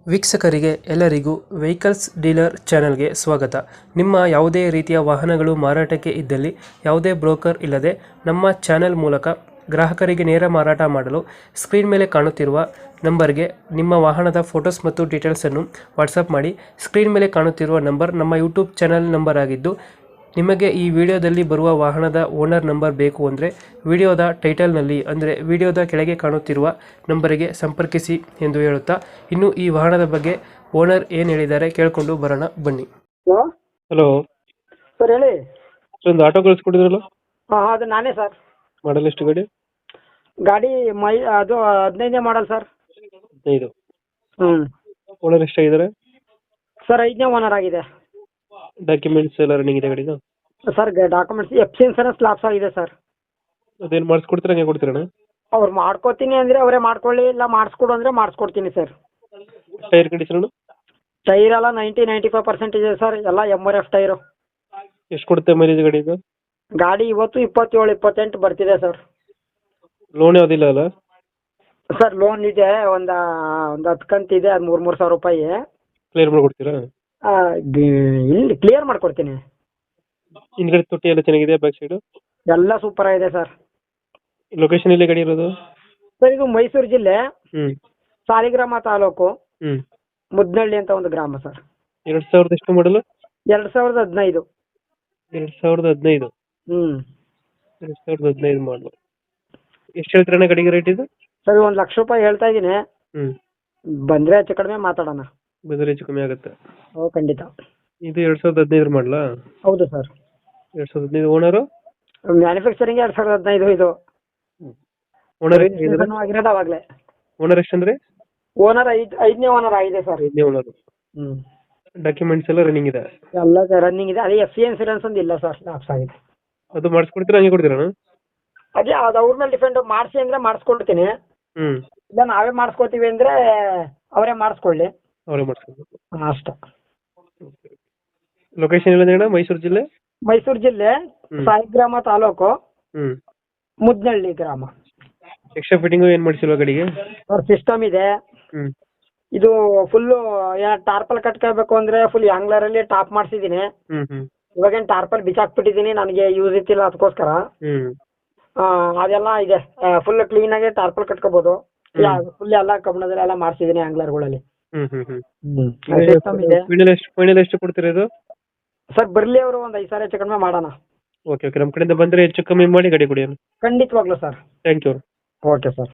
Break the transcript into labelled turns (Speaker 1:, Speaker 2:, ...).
Speaker 1: ವೀಕ್ಷಕರಿಗೆ ಎಲ್ಲರಿಗೂ vehicles dealer ಚಾನೆಲ್ಗೆ ಸ್ವಾಗತ. ನಿಮ್ಮ ಯಾವುದೇ ರೀತಿಯ ವಾಹನಗಳು ಮಾರಾಟಕ್ಕೆ ಇದ್ದಲ್ಲಿ ಯಾವುದೇ ಬ್ರೋಕರ್ ಇಲ್ಲದೆ ನಮ್ಮ ಚಾನೆಲ್ ಮೂಲಕ ಗ್ರಾಹಕರಿಗೆ ನೇರ ಮಾರಾಟ ಮಾಡಲು ಸ್ಕ್ರೀನ್ ಮೇಲೆ ಕಾಣುತ್ತಿರುವ ನಂಬರ್ಗೆ ನಿಮ್ಮ ವಾಹನದ ಫೋಟೋಸ್ ಮತ್ತು ಡೀಟೇಲ್ಸನ್ನು ವಾಟ್ಸಪ್ ಮಾಡಿ. ಸ್ಕ್ರೀನ್ ಮೇಲೆ ಕಾಣುತ್ತಿರುವ ನಂಬರ್ ನಮ್ಮ ಯೂಟ್ಯೂಬ್ ಚಾನೆಲ್ ನಂಬರ್ ಆಗಿದ್ದು, ನಿಮಗೆ ಈ ವಿಡಿಯೋದಲ್ಲಿ ಬರುವ ವಾಹನದ ಓನರ್ ನಂಬರ್ ಬೇಕು ಅಂದರೆ ವಿಡಿಯೋದ ಟೈಟಲ್ನಲ್ಲಿ ಅಂದರೆ ವಿಡಿಯೋದ ಕೆಳಗೆ ಕಾಣುತ್ತಿರುವ ನಂಬರಿಗೆ ಸಂಪರ್ಕಿಸಿ ಎಂದು ಹೇಳುತ್ತಾ, ಇನ್ನು ಈ ವಾಹನದ ಬಗ್ಗೆ ಓನರ್ ಏನು ಹೇಳಿದ್ದಾರೆ ಕೇಳಿಕೊಂಡು ಬರೋಣ ಬನ್ನಿ.
Speaker 2: ಹಲೋ
Speaker 1: ಹಲೋ
Speaker 2: ಸರ್, ಹೇಳಿ.
Speaker 1: ಒಂದು ಆಟೋ ಕಳಿಸ್ಕೊಟ್ಟಿದ್ರಲ್ಲ,
Speaker 2: ಹಾಂ ಅದು ನಾನೇ ಸರ್.
Speaker 1: ಮಾಡಲ್ ಎಷ್ಟು ಗಾಡಿ?
Speaker 2: ಗಾಡಿ ಅದು 15ನೇ ಮಾಡಲ್ ಸರ್.
Speaker 1: 15.
Speaker 2: ಹ್ಞೂ
Speaker 1: ಓನರ್ ಎಷ್ಟಾಗಿದ್ದಾರೆ?
Speaker 2: ಸರ್ 5ನೇ ಓನರ್ ಆಗಿದೆ.
Speaker 1: ಡಾಕ್ಯುಮೆಂಟ್ಸ್ ಎಲ್ಲ ರನ್ನಿಂಗ್ ಇದೆ ಗಾಡಿದು?
Speaker 2: Sir documents F C insurance lapse ಆಗಿದೆ ಸರ್.
Speaker 1: ಅದೇನು ಮಾಡಿಸ್ಕೊಡ್ತೀರಾ, ಹಂಗೆ ಕೊಡ್ತೀರಣ್ಣ?
Speaker 2: ಅವ್ರು ಮಾಡ್ಕೋತೀನಿ ಅಂದರೆ ಅವರೇ ಮಾಡ್ಕೊಳ್ಳಿ, ಇಲ್ಲ ಮಾಡಿಸ್ಕೊಡು ಅಂದರೆ ಮಾಡಿಸ್ಕೊಡ್ತೀನಿ ಸರ್.
Speaker 1: ಟೈರ್ ಕಂಡೀಷನ್
Speaker 2: ಟೈರ್ ಎಲ್ಲ 90-95% ಇದೆ ಸರ್. ಎಲ್ಲ MRF ಟೈರು.
Speaker 1: ಎಷ್ಟು ಕೊಡುತ್ತೆ ಮೈಲೇಜ್ ಗಾಡಿದು?
Speaker 2: ಗಾಡಿ ಇವತ್ತು 27-28 ಬರ್ತಿದೆ ಸರ್.
Speaker 1: ಲೋನ್ ಯಾವುದಿಲ್ಲ ಅಲ್ಲ?
Speaker 2: ಸರ್ ಲೋನ್ ಇದೆ, ಒಂದು 10 ಕಂತಿದೆ, ಅದು 3,000 ರೂಪಾಯಿ.
Speaker 1: ಕ್ಲಿಯರ್ ಮಾಡಿಕೊಡ್ತೀರಾ?
Speaker 2: ಇಲ್ಲಿ ಕ್ಲಿಯರ್ ಮಾಡ್ಕೊಡ್ತೀನಿ.
Speaker 1: ಹಿಂದ್ಗಡೆ ತೊಟ್ಟಿ ಎಲ್ಲ ಚೆನ್ನಾಗಿದೆ, ಬ್ಯಾಕ್ ಸೈಡು
Speaker 2: ಎಲ್ಲ ಸೂಪರ್ ಆಗಿದೆ ಸರ್.
Speaker 1: ಲೊಕೇಶನ್ ಎಲ್ಲಿ ಗಾಡಿ ಇರೋದು?
Speaker 2: ಸರ್ ಇದು ಮೈಸೂರು ಜಿಲ್ಲೆ,
Speaker 1: ಹ್ಞೂ
Speaker 2: ಸಾಲಿಗ್ರಾಮ ತಾಲೂಕು,
Speaker 1: ಹ್ಞೂ
Speaker 2: ಮುದ್ನಳ್ಳಿ ಅಂತ ಒಂದು ಗ್ರಾಮ ಸರ್.
Speaker 1: 2000 ಎಷ್ಟು ಮಾಡಲು?
Speaker 2: 2015.
Speaker 1: 2015.
Speaker 2: ಹ್ಞೂ
Speaker 1: 2015 ಮಾಡಲು. ಎಷ್ಟು ಹೇಳ್ತೀರಣ್ಣ ಗಾಡಿಗೆ ರೇಟ್ ಇದು?
Speaker 2: ಸರ್ 1 ಲಕ್ಷ ರೂಪಾಯಿ ಹೇಳ್ತಾ ಇದ್ದೀನಿ.
Speaker 1: ಹ್ಞೂ
Speaker 2: ಬಂದರೆ ಹೆಚ್ಚು ಕಡಿಮೆ ಮಾತಾಡೋಣ.
Speaker 1: ಬಂದರೆ ಹೆಚ್ಚು ಕಮ್ಮಿ ಆಗುತ್ತೆ.
Speaker 2: ಓ ಖಂಡಿತ.
Speaker 1: ಇದು 2015 ಮಾಡಲಾ?
Speaker 2: ಹೌದು ಸರ್.
Speaker 1: 2015. ಓನರು?
Speaker 2: ಮ್ಯಾನುಫ್ಯಾಕ್ಚರಿಂಗ್ 2015 ಇದು.
Speaker 1: ಓನರ್
Speaker 2: ಆಗಿರೋದು ಅವಾಗಲೇ.
Speaker 1: ಓನರ್ ಎಷ್ಟಂದ್ರೆ?
Speaker 2: ಓನರ್ 5ನೇ ಓನರ್ ಆಗಿದೆ ಸರ್.
Speaker 1: 5ನೇ ಓನರು.
Speaker 2: ಹ್ಞೂ
Speaker 1: ಡಾಕ್ಯುಮೆಂಟ್ಸ್ ಎಲ್ಲ ರನ್ನಿಂಗ್ ಇದೆ?
Speaker 2: ಎಲ್ಲ ರನ್ನಿಂಗ್ ಇದೆ. ಅದೇ FC ಇನ್ಸೂರೆನ್ಸ್ ಒಂದು ಇಲ್ಲ ಸರ್, ಲಾಪ್ಸ್ ಆಗಿದೆ.
Speaker 1: ಅದು ಮಾಡಿಸ್ಕೊಡ್ತೀರಾ, ಹಂಗೆ ಕೊಡ್ತೀರಣ್ಣ?
Speaker 2: ಅದೇ ಅದು ಅವ್ರ ಮೇಲೆ ಡಿಪೆಂಡ್. ಮಾಡಿಸಿ ಅಂದರೆ ಮಾಡಿಸ್ಕೊಡ್ತೀನಿ,
Speaker 1: ಹ್ಞೂ
Speaker 2: ಇಲ್ಲ ನಾವೇ ಮಾಡಿಸ್ಕೊತೀವಿ ಅಂದರೆ ಅವರೇ ಮಾಡಿಸ್ಕೊಳ್ಳಿ.
Speaker 1: ಅವರೇ ಮಾಡಿಸ್ಕೊಡ್ಬೇಕು.
Speaker 2: ಅಷ್ಟೇ.
Speaker 1: ಲೊಕೇಶನ್ ಎಲ್ಲ ಅಣ್ಣ? ಮೈಸೂರು ಜಿಲ್ಲೆ.
Speaker 2: ಮೈಸೂರು ಜಿಲ್ಲೆ, ಸಾಲಿಗ್ರಾಮ ತಾಲೂಕು,
Speaker 1: ಹ್ಞೂ
Speaker 2: ಮುದ್ನಳ್ಳಿ ಗ್ರಾಮ.
Speaker 1: ಎಕ್ಸ್ಟ್ರಾ ಫಿಟ್ಟಿಂಗು ಏನು ಮಾಡಿಸಿಲ್ವಾ ಗಾಡಿಗೆ?
Speaker 2: ಅವ್ರ ಸಿಸ್ಟಮ್ ಇದೆ.
Speaker 1: ಹ್ಞೂ
Speaker 2: ಇದು ಫುಲ್ಲು ಟಾರ್ಪಲ್ ಕಟ್ಕೋಬೇಕು ಅಂದರೆ ಫುಲ್ ಆ್ಯಂಗ್ಲರಲ್ಲಿ ಟಾಪ್ ಮಾಡಿಸಿದ್ದೀನಿ.
Speaker 1: ಹ್ಞೂ ಹ್ಞೂ
Speaker 2: ಇವಾಗೇನು ಟಾರ್ಪಲ್ ಬಿಚ್ಚಾಕ್ಬಿಟ್ಟಿದ್ದೀನಿ, ನನಗೆ ಯೂಸ್ ಇತ್ತಿಲ್ಲ ಅದಕ್ಕೋಸ್ಕರ.
Speaker 1: ಹ್ಞೂ
Speaker 2: ಅದೆಲ್ಲ ಇದೆ, ಫುಲ್ ಕ್ಲೀನಾಗಿ ಟಾರ್ಪಲ್ ಕಟ್ಕೋಬೋದು. ಫುಲ್ ಎಲ್ಲ ಕಬ್ಬಣದಲ್ಲೆಲ್ಲ ಮಾಡಿಸಿದ್ದೀನಿ ಆ್ಯಂಗ್ಲರ್ಗಳಲ್ಲಿ.
Speaker 1: ಹ್ಞೂ ಹ್ಞೂ ಹ್ಞೂ
Speaker 2: ಸಿಸ್ಟಮ್ ಇದೆ.
Speaker 1: ಫೈನಲ್ ಎಷ್ಟು ಕೊಡ್ತೀರಾ ಇದು?
Speaker 2: ಸರ್ ಬರಲಿ, ಅವರು ಒಂದು 5,000 ಹೆಚ್ಚು ಕಡಿಮೆ ಮಾಡೋಣ.
Speaker 1: ಓಕೆ ಓಕೆ, ನಮ್ಮ ಕಡೆಯಿಂದ ಬಂದರೆ ಹೆಚ್ಚು ಕಮ್ಮಿ ಮಾಡಿ ಗಾಡಿ ಕೊಡಿ.
Speaker 2: ಖಂಡಿತವಾಗ್ಲೂ sir.
Speaker 1: Thank you.
Speaker 2: Okay sir.